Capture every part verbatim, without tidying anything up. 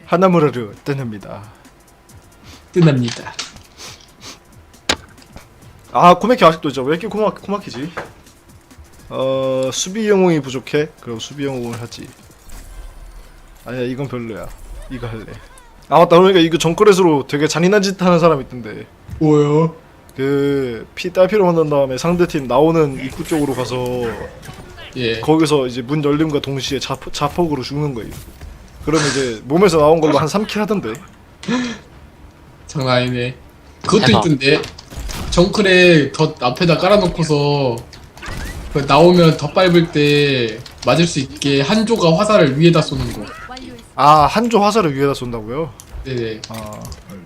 하나무라르 뜨냅니다. 뜨납니다. 아 코메키 아직도 있죠. 왜 이렇게 코마, 코마키지? 어 수비 영웅이 부족해? 그럼 수비 영웅을 하지. 아니야 이건 별로야. 이거 할래. 아 맞다 그러니까 이거 정크렛으로 되게 잔인한 짓 하는 사람 있던데. 뭐요? 그 피 딸피로 만난 다음에 상대팀 나오는 입구 쪽으로 가서 예. 거기서 이제 문 열림과 동시에 자폭, 자폭으로 죽는 거예요. 그러면 이제 몸에서 나온 걸로 한 삼 킬 하던데. 장난 아니네. 그것도 해봐. 있던데. 정클에 덧 앞에다 깔아놓고서 그 나오면 덧 밟을 때 맞을 수 있게 한조가 화살을 위에다 쏘는 거. 아 한조 화살을 위에다 쏜다고요? 네네. 아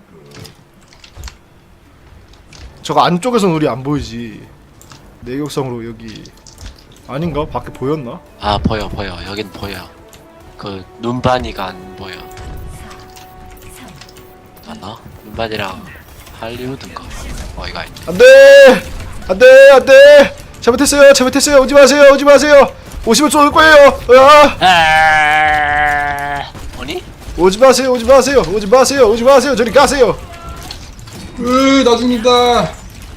저거 안쪽에선 우리 안 보이지. 내격성으로 여기 아닌가? 밖에 보였나? 아 보여 보여 여긴 보여. 그 눈반이가 안 보여. 맞나? 눈반이랑 할리우드인가? 어 이거 아니. 안돼! 안돼! 안돼! 잘못했어요! 잘못했어요! 오지 마세요! 오지 마세요! 오시면 쏠 거예요! 으아! 아 아니? 오지 마세요! 오지 마세요! 오지 마세요! 오지 마세요! 저리 가세요! 으, 나 죽는다.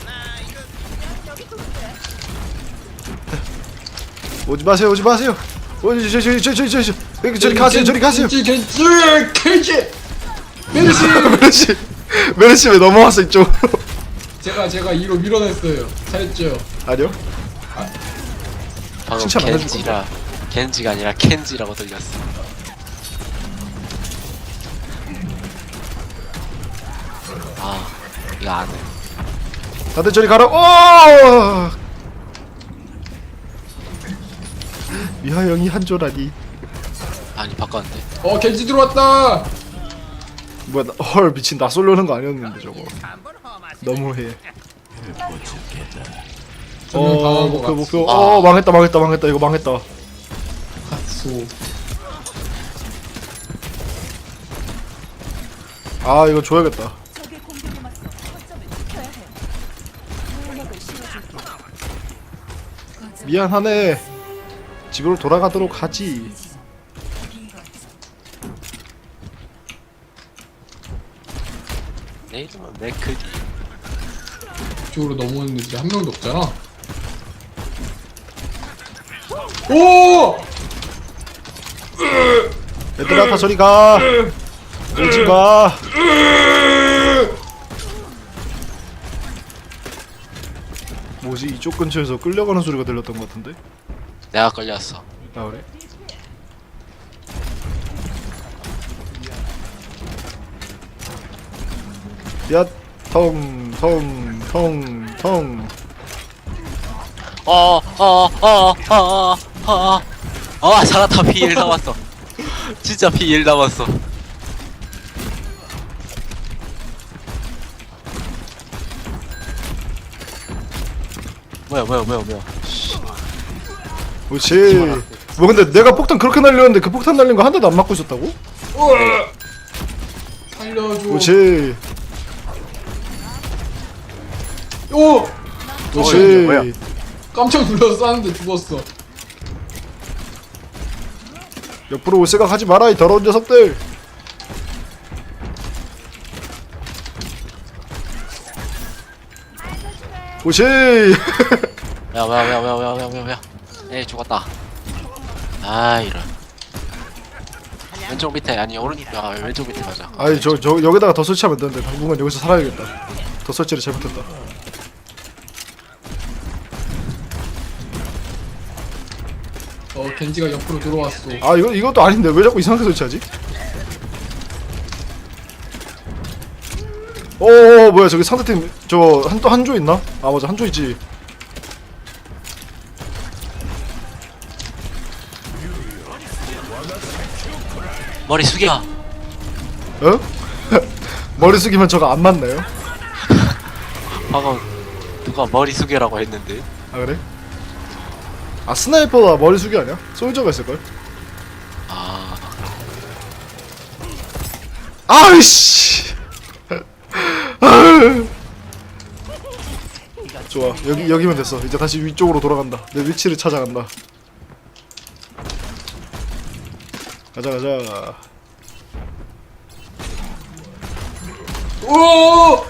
오지 마세요! 오지 마세요! 오지 저리 저리 저리 저리 저리 저리 저리 가세요! 저리 가세요! 겐지, 겐지, 겐지. 메르시. 메르시 메르시 왜 넘어왔어 이쪽으로? 제가 제가 이로 밀어냈어요. 잘했죠. 아니요? 방금 칭찬 안 해줄 겐지라 겐지가 아니라 켄지라고 들렸어. 아 이거 안 해. 다들 저리 가라! 오! 미하영이 한조라니. 아니 바꿨는데. 어, 겐지 들어왔다. 뭐야 나, 헐 미친 나 쏠려는 거 아니었는데 저거 너무해. 저는 어 방어한 거 목표 같소. 목표 아. 어 망했다 망했다 망했다 이거 망했다. 같소. 아 이거 줘야겠다. 적의 공격에 맞서 거점을 지켜야 해. 무력을 실어줄게. 미안하네. 집으로 돌아가도록 하지. 내 이름은 맥크디. 이쪽으로 넘어오는 애들이 한 명도 없잖아. 오! 얘들아 다 저리 가. 오지 마. 뭐지 이쪽 근처에서 끌려가는 소리가 들렸던 것 같은데? 내가 걸렸어. 아 그래? 야, 텅, 텅, 텅, 텅. 어어어어어어 아 살았다. 피 일 남았어. 진짜 피 일 남았어. 뭐야 뭐야 뭐야 뭐야. 그렇지. 뭐 근데 내가 폭탄 그렇게 날렸는데 그 폭탄 날린 거 한 대도 안 맞고 있었다고? 으아! 살려줘. 그렇지. 오! 그렇지. 깜짝 놀라서 쐈는데 죽었어. 옆으로 올 생각 하지 마라 이 더러운 녀석들. 그렇지. 뭐야 뭐야 뭐야 뭐야 뭐야 뭐야 뭐야. 에이 죽었다. 아 이런. 왼쪽 밑에 아니 오른쪽 아 왼쪽 밑에 맞아. 아니 저, 저 여기다가 더 설치하면 되는데 당분간 여기서 살아야겠다. 더 설치를 잘못했다. 어, 겐지가 옆으로 들어왔어. 아 이거 이것도 아닌데 왜 자꾸 이상하게 설치하지? 오 뭐야 저기 상대팀 저 한 또 한조 있나? 아 맞아 한조 있지. 머리 숙여. 어? 머리 숙이면 저거 안 맞나요? 방금 누가 머리 숙여라고 했는데. 아 그래? 아 스나이퍼가 머리 숙이 아니야? 솔저가 있을걸? 아 아이씨. 좋아 여기 여기면 됐어. 이제 다시 위쪽으로 돌아간다. 내 위치를 찾아간다. 가자 가자. 오!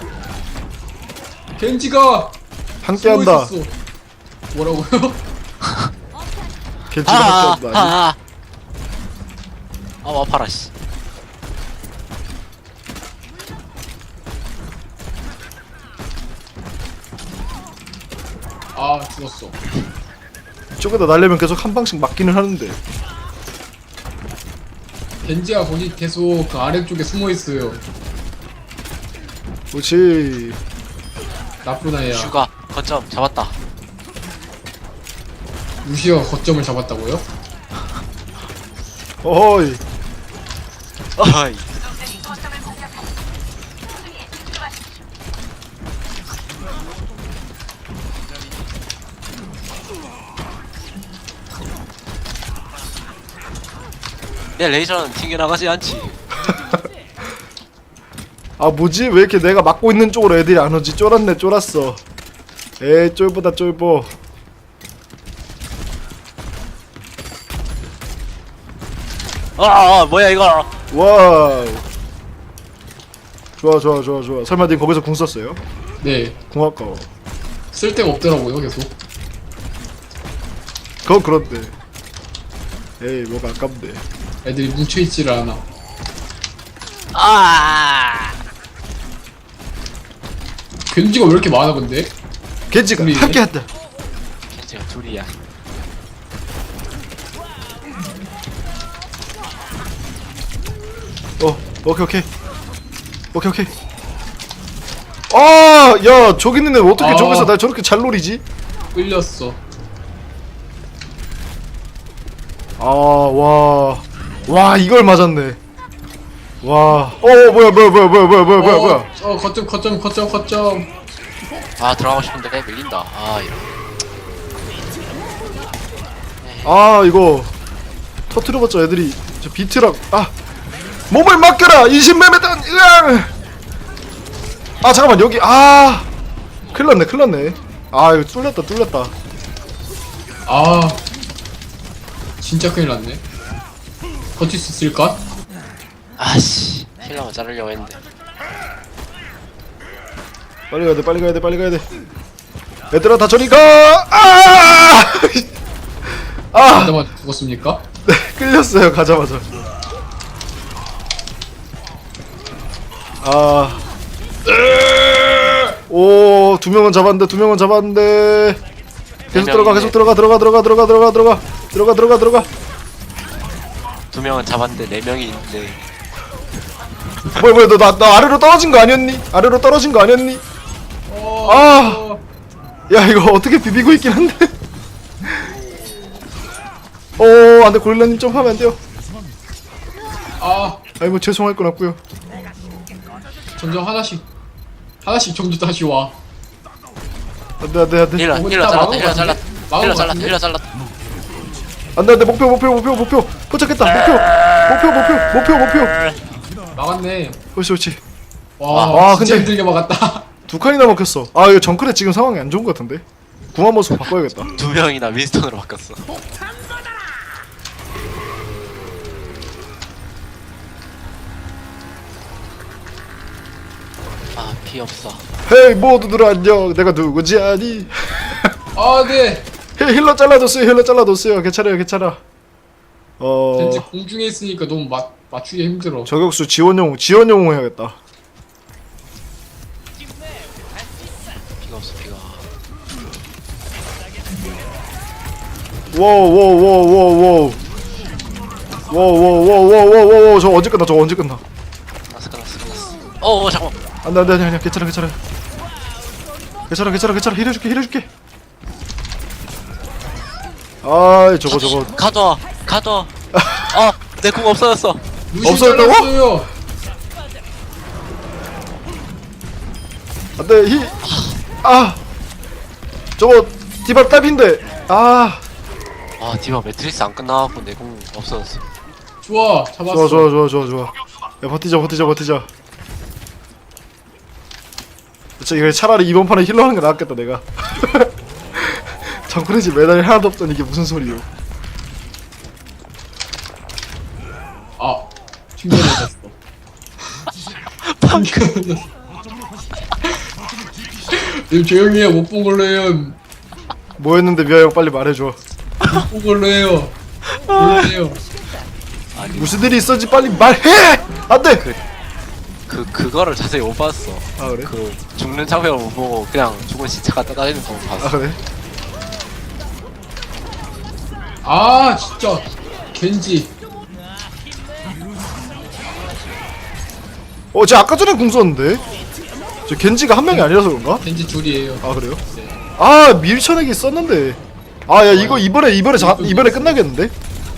겐지가 함께한다. 숨어 있었어. 뭐라고요? 겐지가 아, 함께한다. 아, 아니, 아, 아, 아파라 씨. 아 죽었어. 이쪽에다 날려면 계속 한 방씩 맞기는 하는데. 겐지가 거기 계속 그 아래쪽에 숨어 있어요. 그렇지. 나쁜 아이야. 슈가 거점 잡았다. 루시가 거점을 잡았다고요? 어이. 어이. 내 레이저는 튕겨나가지 않지. 아 뭐지? 왜 이렇게 내가 막고 있는 쪽으로 애들이 안 오지? 쫄았네 쫄았어. 에이 쫄보다 쫄보. 아, 아 뭐야 이거. 와우. 좋아 좋아 좋아 좋아. 설마 님 거기서 궁 썼어요? 네. 궁 아까워. 쓸데가 없더라고요 계속. 그건 그런데. 에이 뭐가 아깝네. 애들이 뭉쳐있지를 않아. 아. 겐지가 왜 이렇게 많아 근데? 겐지가 우리- 함께한다. 제가 둘이야. 어 오케이 오케이 오케이 오케이. 아야 저기 있는 애 어떻게 아. 저기서 날 저렇게 잘 노리지? 끌렸어. 아와와 와, 이걸 맞았네. 와. 어 뭐야 뭐야 뭐야 뭐야 뭐야 뭐야 뭐야 뭐야. 어, 어 거점 거점 거점 거점. 아 들어가고 싶은데 밀린다. 아 이런. 아 이거 터트려봤자 애들이 저 비트랑 아 몸을 맡겨라 이십매매단 으앙. 아 잠깐만 여기 아 큰일났네 큰일났네. 아 이거 뚫렸다 뚫렸다. 아 진짜 큰일 났네. 버틸 수 있을까? 아씨 힐러만 자르려고 했는데. 빨리 가야 돼 빨리 가야 돼 빨리 가야 돼. 얘들아 다 저리 가. 아! 아 가자마자 죽었습니까? 끌렸어요 가자마자. 아. 오, 두 명은 잡았는데 두 명은 잡았는데. 계속 네 들어가 명이네. 계속 들어가 들어가 들어가 들어가 들어가 들어가 들어가 들어가 들어가. 두 명은 잡았는데 네 명이 있는데. 뭐야 뭐야 너 나 나 아래로 떨어진 거 아니었니? 아래로 떨어진 거 아니었니? 어, 아. 어, 야 이거 어떻게 비비고 있긴 한데. 어, 안돼 고릴라님 좀 하면 안 돼요. 아 아이 뭐 죄송할 건 없고요. 점점 하나씩 하나씩 점점 다시 와. 안돼 안돼 안돼 힐러 오늘 힐러 다 잘랐다. 막은 힐러 것 잘랐다. 같은데? 막은 힐러 것 잘랐다. 같은데? 힐러 잘랐다. 안돼 안돼 목표 목표 목표 목표 포착했다 목표 목표 목표 목표 목표. 막았네. 그렇지 그렇지. 와, 와, 진짜 근데- 힘들게 막았다. 두 칸이나 먹혔어. 아 이거 정크레 지금 상황이 안 좋은 것 같은데. 궁합 모습 바꿔야겠다. 두 명이나 윈스턴으로 바꿨어. 아 피 없어. 헤이 모두들 안녕. 내가 누구지 아니? 아 네. 헤이 힐러 잘라줬어요. 힐러 잘라줬어요. 괜찮아요 괜찮아. 어 겐지 공중에 있으니까 너무 맞 맞추기 힘들어. 저격수 지원용 지원용 해야겠다. 피가 없어 피가. 워워워워워워 워워워워워워워 저 언제 끝나 저 언제 끝나. 끝났어 끝났어 끝났어. 어 잠깐. 안돼 안돼 안돼 괜찮아 괜찮아 괜찮아 괜찮아 괜찮아 힐해줄게 힐해줄게. 아이 저거 저거 가둬 가둬. 아내 궁 없어졌어. 루시 없어졌다고? 잘랐어요. 안돼 힐아 저거 디바 딸핀데 아 아 디바 매트리스 안 끝나갖고 내 궁 없어졌어. 좋아 잡았어. 좋아 좋아 좋아 좋아 좋아. 야 버티자 버티자 버티자. 진짜 이거 차라리 이번 판에 힐러 하는 게 나았겠다 내가. 정크레지 메달이 하나도 없던 이게 무슨 소리요. 아 튕겨 맞았어. 튕겨 맞았어. 님 조용히 해요. 못 본 걸로 해요. 뭐 했는데 미아 형 빨리 말해줘. 못 본 걸로 해요. 조용히 해요. 아니 무슨 일이 있었지 빨리 말해. 안돼. 그 그거를 자세히 못 봤어. 아 그래? 그 죽는 장면을 못 보고 그냥 죽은 시체 갖다 다니는 거 아 봤어. 그래? 아 진짜 겐지. 어, 쟤 아까 전에 궁 썼는데? 저 겐지가 한 명이 아니라서 그런가? 겐지 둘이에요. 아 그래요? 네. 아 밀쳐내기 썼는데. 아 야 이거 이번에 이번에 자, 이번에 끝나겠는데?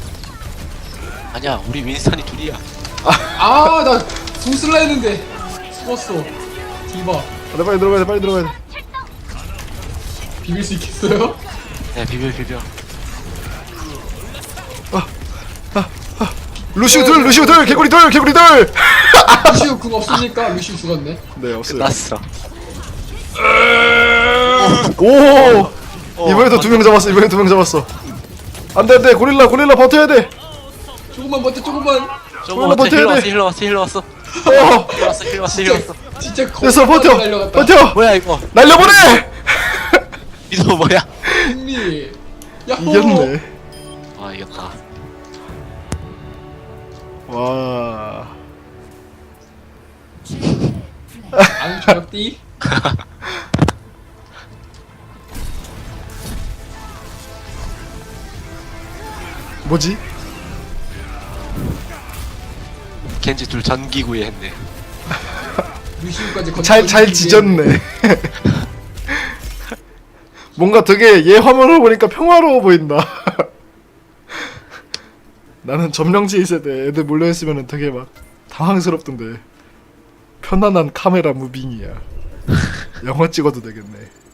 아니야 우리 윈스턴이 둘이야. 아나 궁슬라 했는데 죽었어. 디바 아, 빨리 들어가야 돼 빨리 들어가야 돼. 비빌 수 있겠어요? 네 비벼 비벼. 루시우 둘 루시우 둘 개구리 둘 개구리 둘. 루시우 궁 없으니까 루시우 죽었네. 네 없어요. 끝났어. 오 어, 이번에도 두 명 잡았어 이번에 두 명 잡았어. 안돼 안돼 고릴라 고릴라 버텨야 돼. 조금만 버텨 조금만. 조금 버텨야 버텨. 힐러 돼. 왔어 힐러 왔어 힐러 왔어. 어 힐러 왔어 힐러 왔어 힐러 왔어. 진짜 됐어 버텨 날려갔다. 버텨 뭐야 이거? 날려보내. 이거 뭐야? 승리. 야호. 이겼네. 아 이겼다. 와 안 저렇디? 뭐지? 겐지 둘 전기구이 했네. 루시우까지 건져. 잘 잘 지졌네. 뭔가 되게 얘 화면을 보니까 평화로워 보인다. 나는 점령지 세대 애들 몰려있으면 되게 막 당황스럽던데. 편안한 카메라 무빙이야. 영화 찍어도 되겠네.